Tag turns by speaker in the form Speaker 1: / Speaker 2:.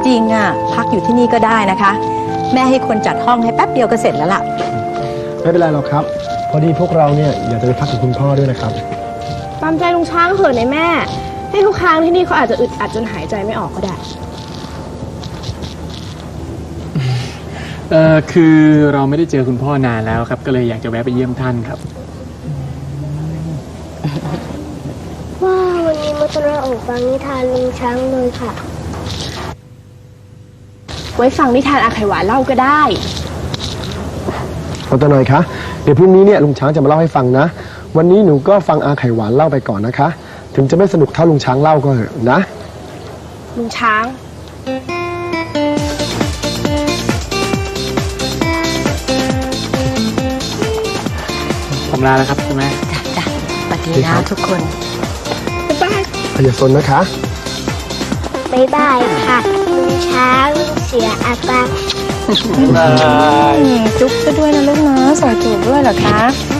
Speaker 1: ริงอ่ะพักอยู่ที่นี่ก็ได้นะคะแม่ให้คนจัดห้องให้แป๊บเดียวก็เสร็จแล้วล่ะ
Speaker 2: ไม่เป็นไรหรอกครับพอดีพวกเราเนี่ยอยากจะไปพักกับคุณพ่อด้วยนะครับ
Speaker 3: ตามใจลุงช้างเถอะนะแม่ให้ทุกครั้งที่นี่เขาอาจจะอึดอัดจนหายใจไม่ออกก็ได้
Speaker 4: คือเราไม่ได้เจอคุณพ่อนานแล้วครับก็เลยอยากจะแวะไปเยี่ยมท่านครับ
Speaker 5: ว้าวันนี้มาตระออกฟังนิทานลุงช้างเลยค่ะ
Speaker 3: ไว้ฟังนิทานอาไขหวานเล่าก็ได้
Speaker 2: เอาตัวหน่อยคะเดี๋ยวพรุ่งนี้เนี่ยลุงช้างจะมาเล่าให้ฟังนะวันนี้หนูก็ฟังอาไข่หวานเล่าไปก่อนนะคะถึงจะไม่สนุกเท่าลุงช้างเล่าก็เถอะนะ
Speaker 3: ลุงช้าง
Speaker 4: ผมลาแล้วครับคุณแม่
Speaker 1: จ้ะสวัสดีนะทุกคน
Speaker 3: บ๊ายบาย
Speaker 2: อย่าสนนะคะ
Speaker 5: บ๊ายบายค่ะลุงช้างเสียอาการ
Speaker 4: บ๊ายบาย
Speaker 1: จุ๊บซะด้วยนะลูกนะสอยจูบด้วยเหรอคะ